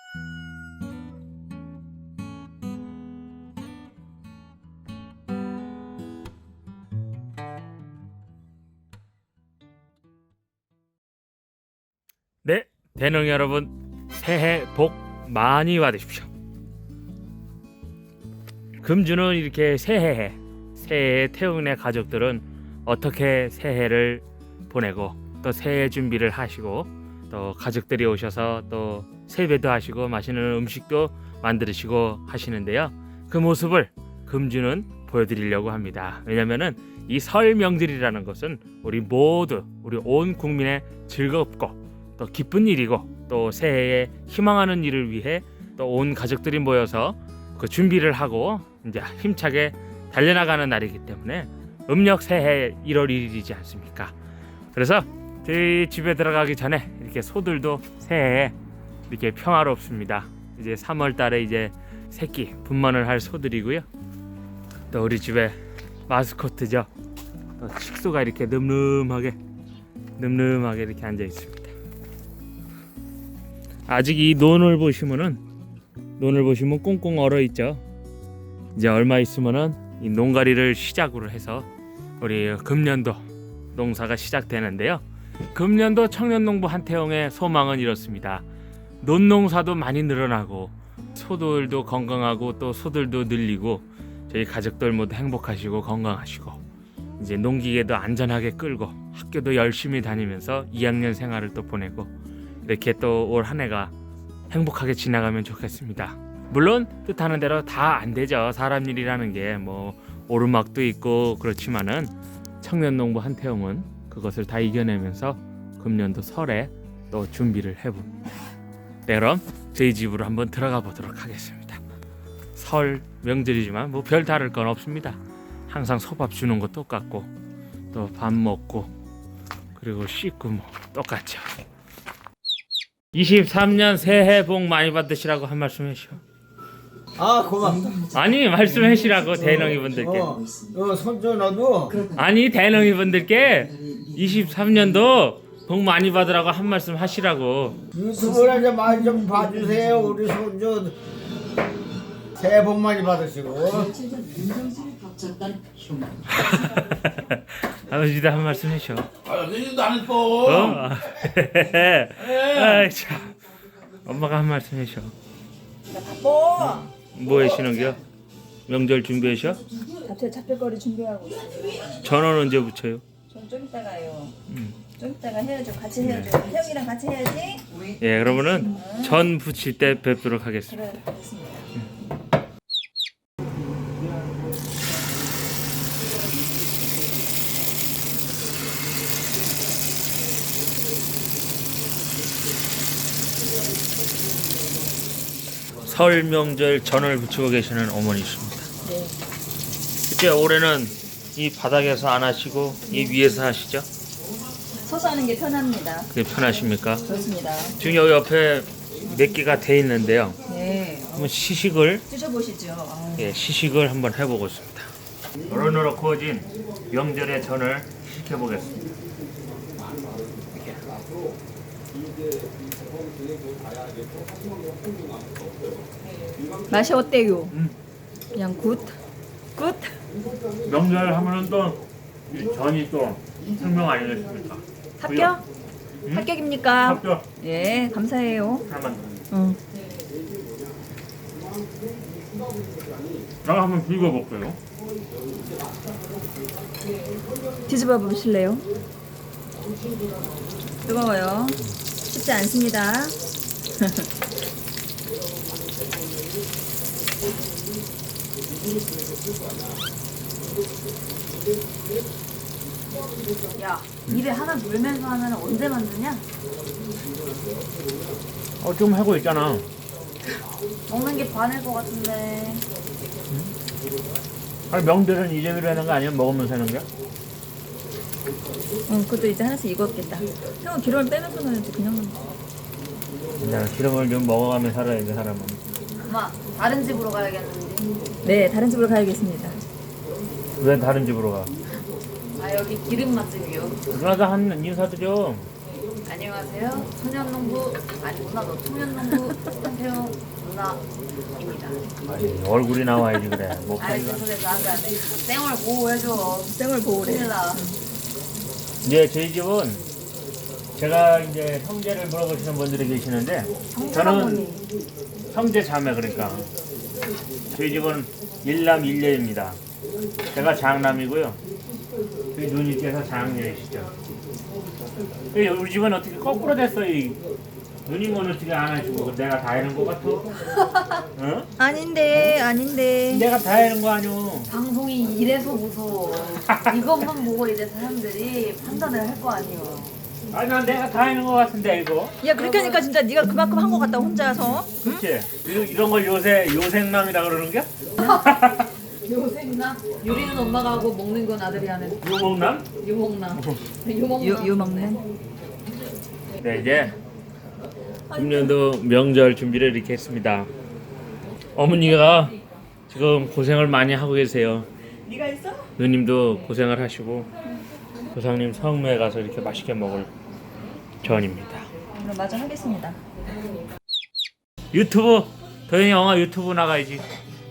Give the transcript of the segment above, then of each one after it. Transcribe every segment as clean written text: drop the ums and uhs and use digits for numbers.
네, 대농 여러분, 새해 복 많이 받으십시오. 금주는 이렇게 새해에 태웅네 가족들은 어떻게 새해를 보내고 또 새해 준비를 하시고 또 가족들이 오셔서 또 세배도 하시고 맛있는 음식도 만드시고 하시는데요. 그 모습을 금주는 보여드리려고 합니다. 왜냐면은 이 설 명절이라는 것은 우리 모두, 우리 온 국민의 즐겁고 또 기쁜 일이고 또 새해에 희망하는 일을 위해 또 온 가족들이 모여서 그 준비를 하고 이제 힘차게 달려나가는 날이기 때문에 음력 새해 1월 1일이지 않습니까? 그래서 저희 집에 들어가기 전에 이렇게 소들도 새해에 이렇게 평화롭습니다. 이제 3월 달에 이제 새끼 분만을 할 소들이고요. 또 우리 집에 마스코트죠. 또 칙소가 이렇게 늠름하게 이렇게 앉아 있습니다. 아직 이 논을 보시면 꽁꽁 얼어 있죠. 이제 얼마 있으면은 이 농가리를 시작으로 해서 우리 금년도 농사가 시작되는데요. 금년도 청년농부 한태웅의 소망은 이렇습니다. 논농사도 많이 늘어나고 소들도 건강하고 또 소들도 늘리고 저희 가족들 모두 행복하시고 건강하시고 이제 농기계도 안전하게 끌고 학교도 열심히 다니면서 2학년 생활을 또 보내고 이렇게 또 올 한 해가 행복하게 지나가면 좋겠습니다. 물론 뜻하는 대로 다 안 되죠. 사람 일이라는 게 뭐 오르막도 있고 그렇지만은 청년농부 한태웅은 그것을 다 이겨내면서 금년도 설에 또 준비를 해봅니다. 네, 그럼 저희 집으로 한번 들어가 보도록 하겠습니다. 설 명절이지만 뭐 별 다를 건 없습니다. 항상 소밥 주는 거 똑같고 또 밥 먹고 그리고 씻고 뭐 똑같죠. 23년 새해 복 많이 받으시라고 한 말씀 해주시오. 아 고맙다. 아니 말씀하시라고 대농이 분들께. 손주 너도 아니 대농이 분들께 23년도 복 많이 받으라고 한 말씀 하시라고. 유튜브를 좀 많이 좀 봐주세요. 우리 손주 새해 복 많이 받으시고. 아버지도 한 말씀 해줘. 아버지도 안 했어. 아이 참. 엄마가 한 말씀 해줘. 나 바빠. 뭐 하시는겨? 명절 준비하셔? 갑자기 잡힐거리 준비하고 있어요. 전원 언제 붙여요? 전 좀 이따가요. 좀 이따가 해야죠. 같이 해야죠. 태영이랑 같이 해야지. 예, 그러면은 전 붙일 때 뵙도록 하겠습니다. 그래, 알겠습니다. 설 명절 전을 붙이고 계시는 어머니십니다. 네. 그때 올해는 이 바닥에서 안 하시고 이 위에서 하시죠? 서서 하는 게 편합니다. 그게 편하십니까? 좋습니다. 지금 여기 옆에 몇 개가 돼 있는데요. 네. 한번 시식을 드셔보시죠. 아유. 예, 시식을 한번 해보고 있습니다. 노릇노릇 구워진 명절의 전을 시켜보겠습니다. 맛이 어때요? 그냥 굿? 굿? 명절 하면은 또 이 전이 또 생명 아니겠습니까? 합격? 합격입니까? 합격. 예, 감사해요. 하나만 더. 응. 제가 한번 비벼볼게요. 뒤집어 보실래요? 뜨거워요. 쉽지 않습니다. 야, 입에 하나 물면서 하면 언제 만드냐? 좀 하고 있잖아. 먹는 게 반일 것 같은데. 아니 명절은 이재미로 하는 거 아니야? 먹으면서 하는 게? 응, 그것도 이제 하나씩 익었겠다. 형은 기름을 빼면서 넣어야지 그냥 넣는 거. 기름을 좀 먹어가며 살아야 돼 사람은. 엄마, 다른 집으로 가야겠는데. 네, 다른 집으로 가야겠습니다. 왜 다른 집으로 가? 아, 여기 기름 맛집이요. 누나가 한 인사드려. 아니, 안녕하세요. 청년농부 아니구나. 너 청년농부 한태영 누나입니다. 아니, 얼굴이 나와야지 그래. 아이 목소리가. 그래서 안돼 안돼. 땡을 보호해줘. 땡을 보호래. 큰일 나. 이제 저희 집은 제가 이제 형제를 물어보시는 분들이 계시는데 저는 형제 자매 그러니까 저희 집은 일남 일녀입니다. 제가 장남이고요. 저희 누님께서 장녀이시죠. 우리 집은 어떻게 거꾸로 됐어? 이 누님은 어떻게 안 하시고 내가 다 해는 거 같아? 응? 아닌데. 내가 다 해는 거 아니오? 방송이 이래서 무서워. 이것만 보고 이제 사람들이 판단을 할 거 아니에요. 아니 난 내가 다 해는 거 같은데 이거. 야 그렇게 하니까 진짜 네가 그만큼 한 거 같다 혼자서. 그치? 이런 걸 요새 요생남이라 그러는 게? 요생나? 요리는 엄마가 하고 먹는 건 아들이 하는 요목남? 유목남. 유목남. 유먹는. 네 이제 금년도 명절 준비를 이렇게 했습니다. 어머니가 지금 고생을 많이 하고 계세요. 네가 있어? 누님도 고생을 하시고 조상님 성묘에 가서 이렇게 맛있게 먹을 전입니다. 그럼 마저 하겠습니다. 유튜브 도현이 영화 유튜브 나가야지.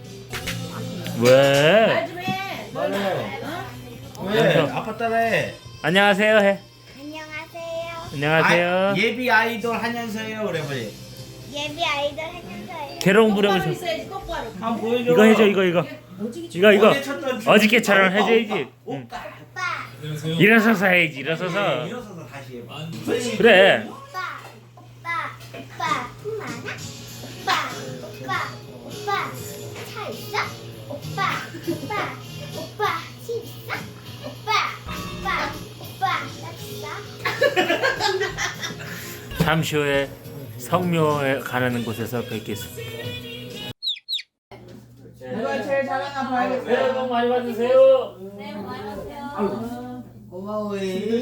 왜? 왜? 아빠 따라해. 안녕하세요 해. 안녕하세요. 안녕하세요. 예비 아이돌 한연서예요 오래버리. 예비 아이돌 한연서예요. 개롱 부려보셔. 한번 보여줘. 이거 해줘 이거. 이거 어제 쳤던 춤. 어저께처럼 해줘야지. 응. 오빠. 오빠, 일어서서 해야지 일어서서. 일어서서 다시 해봐. 그래. 오빠, 품 많아? 오빠, 차 있어? 오빠, 집 있어? 오빠, 나 있어? 잠시 후에 성묘에 가는 곳에서 뵙겠습니다. 누가 제일 잘하나 봐야겠어. 새해 복 많이 받으세요. 고마워요.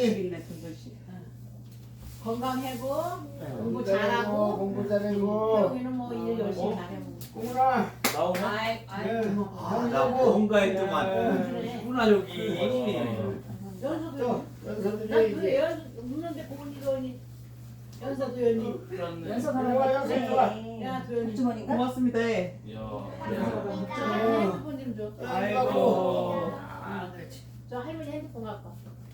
건강하고 공부 잘하고 잘하고 공부 잘하고. 여기는 뭐 일 열심히 잘하고. 꼬물아. 아이 나 뭔가 했더만. 누나 여기. 연서도 연서도 나 그래 이제. 웃는데 보고 니가 연서 도연이 연서 좋아, 가라. 연서 좋아. 야 도연이 주머니가? 고맙습니다. 핸드폰 좀 줘. 아이고. 저 할머니 핸드폰 갖고 와.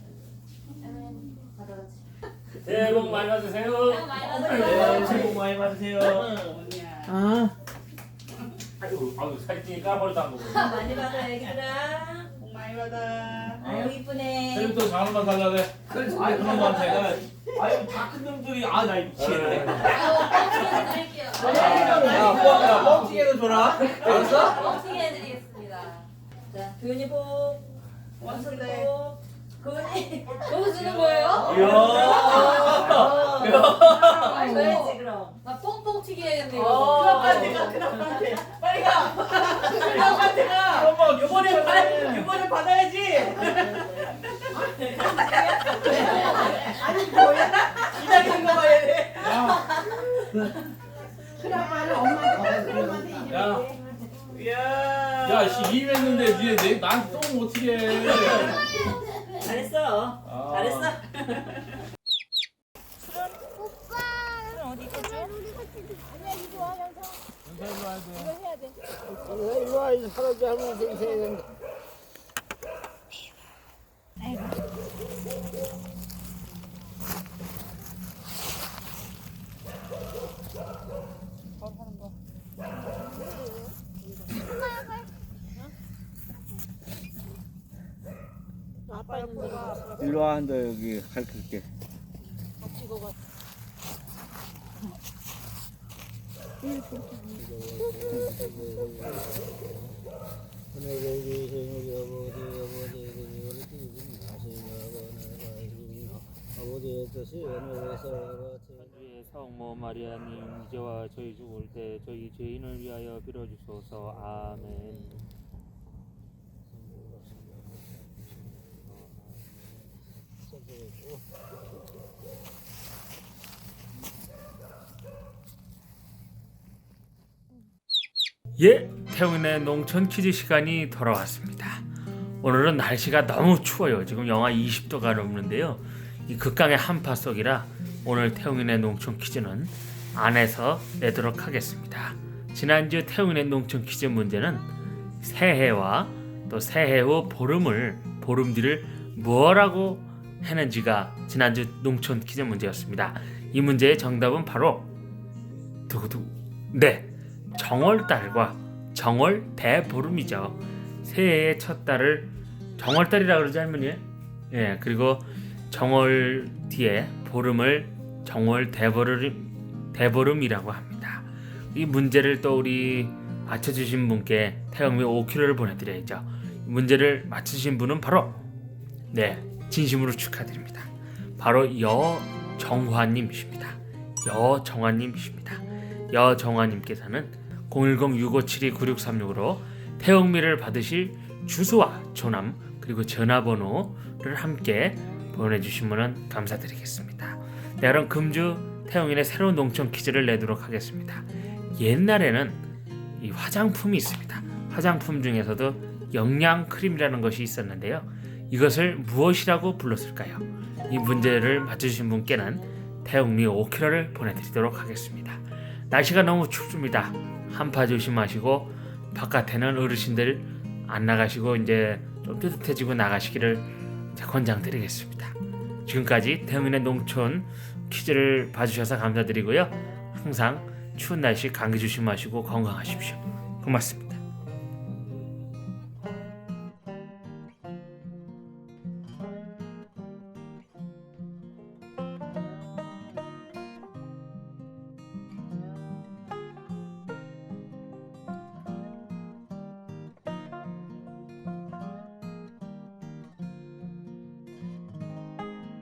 가져가지. 새해 복 많이 받으세요. 네, 새해 복 많이 받으세요. 아이고 사진 찍니 까버리도 안 보고. 많이 받아 애기들아. 복 많이 받아. 아유 이쁘네. 쌤또 장원만 달라네. 아이 그놈아 제가. 아유 다 큰 놈들이 나 미치겠네. 야 뻥튀기도 줘라. 알았어? 뻥튀기 해드리겠습니다. 자 도윤이 복. 원석이 복. 도윤이 복 주는 거예요? 줘야지 그럼. 나 뽕뽕 튀기 해야겠네. 큰아빠한테 가, 큰아빠한테. 빨리 가. 큰아빠한테 가. 요번에 받아야지. 아니 뭐야? 기다리는 거 봐야 돼. 큰아빠는 엄마한테 야, 씨 이임했는데 니네 나한테 똥 어떻게 해? 잘했어. 잘했어. 오빠. 어디 있어? 아니야 이거 하면서. 일로 와, 이 할아버지 할머니 인사해야 된다. 일로 와, 너 여기 가르칠게. 성모 마리아님 이제와 저희 죽을 때 저희 죄인을 위하여 빌어주소서. 아멘. 예, 태웅의 농촌 퀴즈 시간이 돌아왔습니다. 오늘은 날씨가 너무 추워요. 지금 영하 20도가 넘는데요. 이 극강의 한파 속이라 오늘 태웅인의 농촌 퀴즈는 안에서 내도록 하겠습니다. 지난주 태웅인의 농촌 퀴즈 문제는 새해와 또 새해 후 보름뒤를 뭐라고 했는지가 지난주 농촌 퀴즈 문제였습니다. 이 문제의 정답은 바로 정월달과 정월대보름이죠. 새해의 첫 달을 정월달이라 그러지 할머니? 예, 그리고 정월 뒤에 보름을 정월대보름이라고 합니다. 이 문제를 또 우리 맞춰주신 분께 태영미 5kg를 보내드려야죠. 이 문제를 맞추신 분은 바로 진심으로 축하드립니다. 바로 여정화님이십니다. 여정화님께서는 010-6572-9636으로 태영미를 받으실 주소와 조남 그리고 전화번호를 함께 보내주시면 감사드리겠습니다. 그럼 금주 태영인의 새로운 농촌 퀴즈를 내도록 하겠습니다. 옛날에는 이 화장품이 있습니다. 화장품 중에서도 영양크림이라는 것이 있었는데요. 이것을 무엇이라고 불렀을까요? 이 문제를 맞추신 분께는 태영미 5kg를 보내드리도록 하겠습니다. 날씨가 너무 춥습니다. 한파 조심하시고 바깥에는 어르신들 안 나가시고 이제 좀 뜨뜻해지고 나가시기를 권장드리겠습니다. 지금까지 태영인의 농촌 퀴즈를 봐주셔서 감사드리고요. 항상 추운 날씨 감기 조심하시고 건강하십시오. 고맙습니다.